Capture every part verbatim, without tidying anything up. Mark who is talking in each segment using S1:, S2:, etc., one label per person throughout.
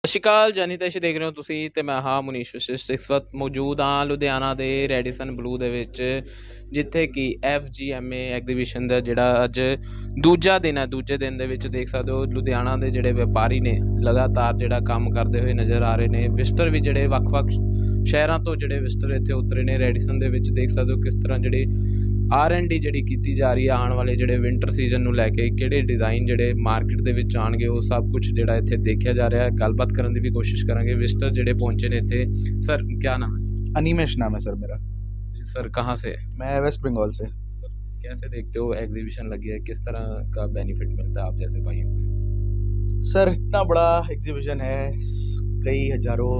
S1: ਸਤਿ ਸ਼੍ਰੀ ਅਕਾਲ ਜੈਨੀ ਤੈਸ਼ ਦੇਖ ਰਹੇ ਹੋ ਤੁਸੀਂ ਤੇ ਮੈਂ ਹਾਂ ਮੁਨੀਸ਼ ਵਸ਼ਿਸ਼ਟ। ਇਸ ਵਕਤ ਮੌਜੂਦ ਹਾਂ ਲੁਧਿਆਣਾ ਦੇ ਰੈਡੀਸਨ ਬਲੂ ਦੇ ਵਿੱਚ, ਜਿੱਥੇ ਕਿ ਐਫ ਜੀ ਐਮ ਏ ਐਗਜ਼ੀਬਿਸ਼ਨ ਦਾ ਜਿਹੜਾ ਅੱਜ ਦੂਜਾ ਦਿਨ ਹੈ। ਦੂਜੇ ਦਿਨ ਦੇ ਵਿੱਚ ਦੇਖ ਸਕਦੇ ਹੋ ਲੁਧਿਆਣਾ ਦੇ ਜਿਹੜੇ ਵਪਾਰੀ ਨੇ ਲਗਾਤਾਰ ਜਿਹੜਾ ਕੰਮ ਕਰਦੇ ਹੋਏ ਨਜ਼ਰ ਆ ਰਹੇ ਨੇ। ਵਿਜ਼ਟਰ ਵੀ ਜਿਹੜੇ ਵੱਖ-ਵੱਖ ਸ਼ਹਿਰਾਂ ਤੋਂ ਜਿਹੜੇ ਵਿਜ਼ਟਰ ਇੱਥੇ ਉਤਰੇ ਨੇ ਰੈਡੀਸਨ ਦੇ ਵਿੱਚ। ਦੇਖ ਸਕਦੇ ਹੋ ਕਿਸ ਤਰ੍ਹਾਂ ਜਿਹੜੀ ਆਰ ਐਂਡ ਡੀ ਜਿਹੜੀ ਕੀਤੀ ਜਾ ਰਹੀ ਹੈ ਆਉਣ ਵਾਲੇ ਜਿਹੜੇ ਵਿੰਟਰ ਸੀਜ਼ਨ ਨੂੰ ਲੈ ਕੇ, ਕਿਹੜੇ ਡਿਜ਼ਾਈਨ ਜਿਹੜੇ ਮਾਰਕੀਟ ਦੇ ਵਿੱਚ ਆਉਣਗੇ ਉਹ ਸਭ ਕੁਝ ਜਿਹੜਾ ਇੱਥੇ ਦੇਖਿਆ ਜਾ ਰਿਹਾ ਹੈ। ਗੱਲਬਾਤ ਕਰਨ ਦੀ ਵੀ ਕੋਸ਼ਿਸ਼ ਕਰਾਂਗੇ। ਵਿਜ਼ਟਰ ਜਿਹੜੇ ਪਹੁੰचे ਨੇ ਇੱਥੇ। सर क्या नाम है?
S2: अनिमेश नाम है सर मेरा।
S1: सर कहाँ से?
S2: मैं वेस्ट बंगाल से।
S1: कैसे देखते हो एग्जीबिशन लगी है, किस तरह का बेनिफिट मिलता है आप जैसे भाइयों को?
S2: सर इतना बड़ा एग्जीबिशन है, कई हजारों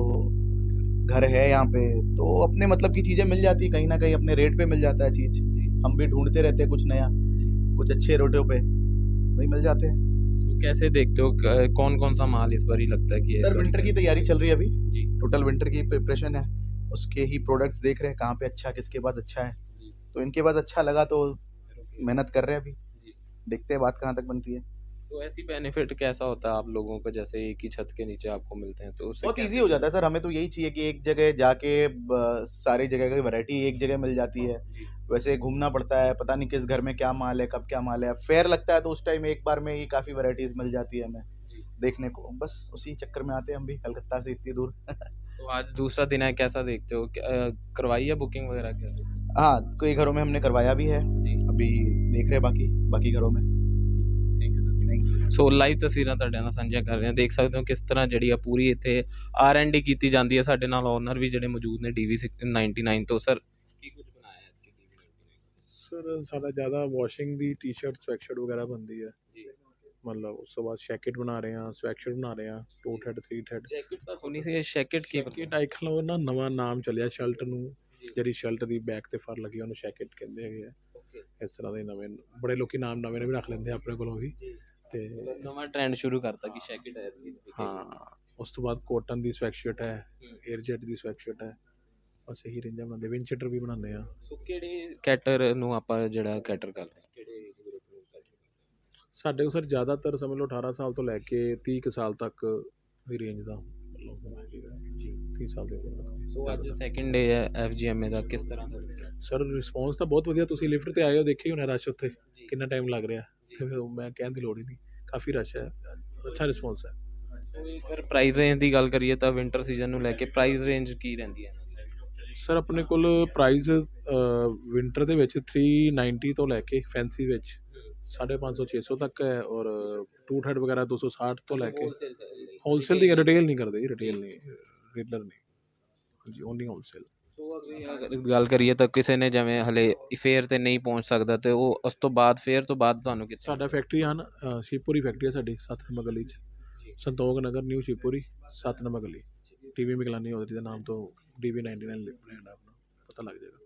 S2: घर है यहाँ पे, तो अपने मतलब की चीज़ें मिल जाती है, कहीं ना कहीं अपने रेट पे मिल जाता है चीज़। हम भी ढूंढते रहते हैं कुछ नया, कुछ अच्छे रेटों पे वही मिल जाते हैं।
S1: तो कैसे देखते हो कौन कौन सा माल इस बार ही लगता है कि
S2: सर विंटर की तैयारी चल रही है अभी
S1: जी,
S2: टोटल विंटर की प्रिपरेशन है, उसके ही प्रोडक्ट्स देख रहे हैं कहाँ पे अच्छा किसके पास अच्छा है। तो इनके पास अच्छा लगा तो मेहनत कर रहे हैं, अभी देखते हैं बात कहाँ तक बनती है।
S1: तो ऐसी बेनिफिट कैसा होता है आप लोगों को, जैसे एक ही छत के नीचे आपको मिलते हैं तो उससे
S2: बहुत
S1: कैसे
S2: इजी हो जाता है सर। हमें तो यही चाहिए कि एक जगह जाके ब- सारी जगह की वैरायटी एक जगह मिल जाती है।
S1: जी,
S2: वैसे घूमना पड़ता है, पता नहीं किस घर में क्या माल है कब क्या माल है। फेयर लगता है तो उस टाइम एक बार में ही काफ़ी वैरायटीज़ मिल जाती है हमें
S1: जी।
S2: देखने को। बस उसी चक्कर में आते हैं हम भी कलकत्ता से इतनी दूर।
S1: तो आज दूसरा दिन है, कैसा देखते हो? क्या- अ, करवाई है बुकिंग वगैरह क्या?
S2: हाँ, कई घरों में हमने करवाया भी है,
S1: जी,
S2: अभी देख रहे हैं बाकी बाकी घरों में।
S1: Thank you sir. So live ਤਸਵੀਰਾਂ ਤੁਹਾਡੇ ਨਾਲ ਸਾਂਝੀਆਂ ਕਰ ਰਹੇ ਹਾਂ। ਦੇਖ ਸਕਦੇ ਹੋ ਕਿਸ ਤਰ੍ਹਾਂ ਜਿਹੜੀ ਆ ਪੂਰੀ ਇੱਥੇ ਆਰ ਐਂਡ ਡੀ ਕੀਤੀ ਜਾਂਦੀ ਹੈ। ਸਾਡੇ ਨਾਲ ਓਨਰ ਵੀ ਜਿਹੜੇ ਮੌਜੂਦ ਨੇ ਡੀ ਵੀ ਨਾਈਨਟੀ ਨਾਈਨ ਤੋਂ। ਸਰ ਕੀ ਕੁਝ ਬਣਾਇਆ ਹੈ D V ninety nine?
S3: Sir ਸਾਡਾ ਜ਼ਿਆਦਾ ਵਾਸ਼ਿੰਗ ਦੀ ਟੀ-ਸ਼ਰਟ ਸਵੈਟਸ਼ਰਟ ਵਗੈਰਾ ਬਣਦੀ ਹੈ
S1: ਜੀ,
S3: ਮਤਲਬ ਉਸ ਤੋਂ ਬਾਅਦ ਜੈਕਟ ਬਣਾ ਰਹੇ ਹਾਂ, ਸਵੈਟਸ਼ਰਟ ਬਣਾ ਰਹੇ ਹਾਂ, two head three head.
S1: Jacket ਤਾਂ ਸੁਣੀ ਸੀ, ਜੈਕਟ ਕੀ
S3: ਜੈਕਟ ਆਈ ਖਲੋ ਨਾ ਨਵਾਂ ਨਾਮ ਚੱਲਿਆ ਸ਼ਰਟ ਨੂੰ,
S1: ਜੀ,
S3: ਜਿਹੜੀ ਸ਼ਰਟ ਦੀ ਬੈਕ ਤੇ ਫਰ ਲੱਗੀ ਉਹਨੂੰ ਜੈਕਟ ਕਹਿੰਦੇ ਹੈਗੇ ਆ।
S1: ਓਕੇ
S3: ਇਸ ਤਰ੍ਹਾਂ ਦੇ ਨਵੇਂ ਬੜੇ ਲੋਕੀ ਨਾਮ ਨਵੇਂ ਨਵੇਂ ਰੱਖ ਲੈਂਦੇ ਆ ਆਪਣੇ ਕੋਲੋਂ ਵੀ।
S1: ਜੀ,
S3: ਤੇ
S1: ਨਵਾਂ ਟ੍ਰੈਂਡ ਸ਼ੁਰੂ ਕਰਤਾ ਕਿ ਜੈਕਟ ਹੈ।
S3: ਹਾਂ, ਉਸ ਤੋਂ ਬਾਅਦ ਕੋਟਨ ਦੀ ਸਵੈਟਸ਼ਰਟ ਹੈ,
S1: ਹੂੰ।
S3: 에ਅਰ ਜੈਟ ਦੀ ਸਵੈਟਸ਼ਰਟ ਹੈ। ਬਸ ਇਹੀ ਰੇਂਜਾਂ ਬਣਾਉਂਦੇ, ਵਿੰਚਟਰ ਵੀ ਬਣਾਉਂਦੇ ਆ।
S1: ਸੋ ਕਿਹੜੇ ਕੈਟਰ ਨੂੰ ਆਪਾਂ ਜਿਹੜਾ ਕੈਟਰ ਕਰਦੇ ਹਾਂ, ਕਿਹੜੇ age group ਨੂੰ cater ਕਰਦੇ ਹਾਂ?
S3: ਸਾਡੇ ਕੋਲ ਸਰ ਜ਼ਿਆਦਾਤਰ ਸਮਝ ਲਓ ਅਠਾਰਾਂ ਸਾਲ ਤੋਂ ਲੈ ਕੇ ਤੀਹ ਕੁ ਸਾਲ ਤੱਕ ਦੀ ਰੇਂਜ ਦਾ ਜੀ, ਤੀਹ ਸਾਲ ਦੇ ਉੱਪਰ।
S1: ਸੋ ਅੱਜ ਸੈਕਿੰਡ ਡੇ ਹੈ ਐਫ ਜੀ ਐਮ ਏ ਦਾ, ਕਿਸ ਤਰ੍ਹਾਂ ਦਾ
S3: ਸਰ ਰਿਸਪੌਂਸ ਤਾਂ ਬਹੁਤ ਵਧੀਆ। ਤੁਸੀਂ ਲਿਫਟ ਤੇ ਆਏ ਹੋ, ਦੇਖਿਆ ਹੀ ਹੋਣਾ ਰਸ਼ ਉੱਥੇ
S1: ਜੀ,
S3: ਕਿੰਨਾ ਟਾਈਮ ਲੱਗ ਰਿਹਾ। ਤੇ ਫਿਰ ਮੈਂ ਕਹਿਣ ਦੀ ਲੋੜ ਹੀ ਨਹੀਂ, ਕਾਫੀ ਰਸ਼ ਹੈ, ਅੱਛਾ ਰਿਸਪੌਂਸ ਹੈ।
S1: ਸੋ ਅਗਰ ਪ੍ਰਾਈਸ ਰੇਂਜ ਦੀ ਗੱਲ ਕਰੀਏ ਤਾਂ ਵਿੰਟਰ ਸੀਜ਼ਨ ਨੂੰ ਲੈ ਕੇ ਪ੍ਰਾਈਸ ਰੇਂਜ ਕੀ ਰਹਿੰਦੀ ਹੈ?
S3: ਸਰ ਆਪਣੇ ਕੋਲ ਪ੍ਰਾਈਸ ਵਿੰਟਰ ਦੇ ਵਿੱਚ ਥ੍ਰੀ ਨਾਈਨਟੀ ਤੋਂ ਲੈ ਕੇ ਫੈਂਸੀ ਵਿੱਚ ਸਾਢੇ ਪੰਜ ਸੌ ਛੇ ਸੌ ਤੱਕ ਹੈ, ਔਰ ਟੂ ਹੈਡ ਵਗੈਰਾ ਦੋ ਸੌ ਸਾਠ ਤੋਂ ਲੈ ਕੇ ਹੋਲਸੇਲ ਦੀ ਰਿਟੇਲ ਨਹੀਂ ਕਰਦੇ, ਰਿਟੇਲ ਨਹੀਂ, ਰੀਟੇਲਰ ਨਹੀਂ, ਹਾਂਜੀ ਓਨਲੀ ਹੋਲਸੇਲ।
S1: ਸੋ ਅਗਰ ਗੱਲ ਕਰੀਏ ਤਾਂ ਕਿਸੇ ਨੇ ਜਿਵੇਂ ਹਲੇ ਫੇਅਰ ਤੇ ਨਹੀਂ ਪਹੁੰਚ ਸਕਦਾ ਤੇ ਉਹ ਉਸ ਤੋਂ ਬਾਅਦ ਫੇਅਰ ਤੋਂ ਬਾਅਦ ਤੁਹਾਨੂੰ ਕਿੱਥੇ?
S3: ਸਾਡਾ ਫੈਕਟਰੀ ਹਨ, ਸ਼ਿਵਪੁਰੀ ਫੈਕਟਰੀ ਹੈ ਸਾਡੀ, ਸੱਤ ਨੰਬਰ ਗਲੀ 'ਚ, ਸੰਤੋਖ ਨਗਰ ਨਿਊ ਸ਼ਿਵਪੁਰੀ, ਸੱਤ ਨੰਬਰ ਗਲੀ। ਟੀ ਵੀ ਮਿਗਲਾਨੀ ਉਹਦੇ ਦੇ ਨਾਮ ਤੋਂ D V ninety nine brand ਆਪਣਾ, ਪਤਾ ਲੱਗ ਜਾਏਗਾ।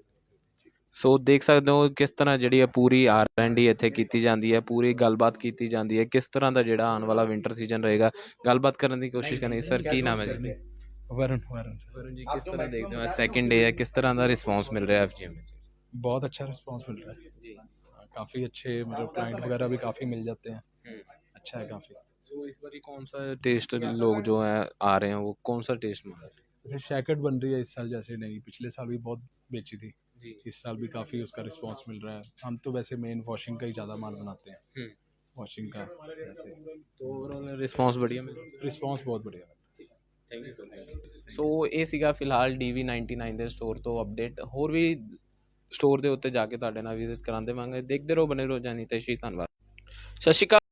S1: ਸੋ ਦੇਖ ਸਕਦੇ ਹੋ ਕਿਸ ਤਰ੍ਹਾਂ ਜਿਹੜੀ ਹੈ ਪੂਰੀ ਆਰ ਐਂਡ ਡੀ ਇੱਥੇ ਕੀਤੀ ਜਾਂਦੀ ਹੈ, ਪੂਰੀ ਗੱਲਬਾਤ ਕੀਤੀ ਜਾਂਦੀ ਹੈ ਕਿਸ ਤਰ੍ਹਾਂ ਦਾ ਜਿਹੜਾ ਆਉਣ ਵਾਲਾ ਵਿੰਟਰ ਸੀਜ਼ਨ ਰਹੇਗਾ। ਗੱਲਬਾਤ ਕਰਨ ਦੀ ਕੋਸ਼ਿਸ਼ ਕਰਾਂਗੇ। ਸਰ ਕੀ ਨਾਮ ਹੈ ਜੀ?
S4: वरुण वरुण सर।
S1: ਵਰੁਣ ਜੀ, ਕਿਸ ਤਰ੍ਹਾਂ ਦੇਖਦੇ ਹੋ ਸੈਕਿੰਡ ਡੇ ਹੈ, ਕਿਸ ਤਰ੍ਹਾਂ ਦਾ ਰਿਸਪੌਂਸ ਮਿਲ ਰਿਹਾ ਐਫ ਜੀ ਐਮ ਵਿੱਚ?
S4: बहुत अच्छा रिस्पांस मिल रहा है
S1: जी,
S4: काफ़ी अच्छे, मतलब क्लाइंट वगैरह भी काफ़ी मिल जाते हैं,
S1: हम्म।
S4: अच्छा है काफ़ी।
S1: सो इस बार कौन सा टेस्ट लोग जो है आ रहे हैं वो कौन सा टेस्ट मांग रहे हैं?
S4: जैसे शैकेट बन रही है इस साल, जैसे नहीं पिछले साल भी बहुत बेची थी,
S1: जी,
S4: इस साल भी काफ़ी उसका रिस्पांस मिल रहा है। हम तो वैसे मेन वॉशिंग का ही ज़्यादा माल बनाते हैं,
S1: हम्म।
S4: वॉशिंग का वैसे
S1: तो ओवरऑल रिस्पॉन्स बढ़िया मिल रहा
S4: रिस्पांस बहुत बढ़िया है।
S1: ਥੈਂਕ ਯੂ ਸੋ ਇਹ ਸੀਗਾ ਫਿਲਹਾਲ ਡੀ ਵੀ ਨਾਈਨਟੀ ਨਾਈਨ ਦੇ ਸਟੋਰ ਤੋਂ ਅਪਡੇਟ। ਹੋਰ ਵੀ ਸਟੋਰ ਦੇ ਉੱਤੇ ਜਾ ਕੇ ਤੁਹਾਡੇ ਨਾਲ ਵਿਜ਼ਿਟ ਕਰਾਂ ਦੇਵਾਂਗੇ। ਦੇਖਦੇ ਰਹੋ, ਬਣੇ ਰਹੋ ਜੈਨੀ ਤੈਸ਼ੀ। ਧੰਨਵਾਦ, ਸਤਿ ਸ਼੍ਰੀ ਅਕਾਲ।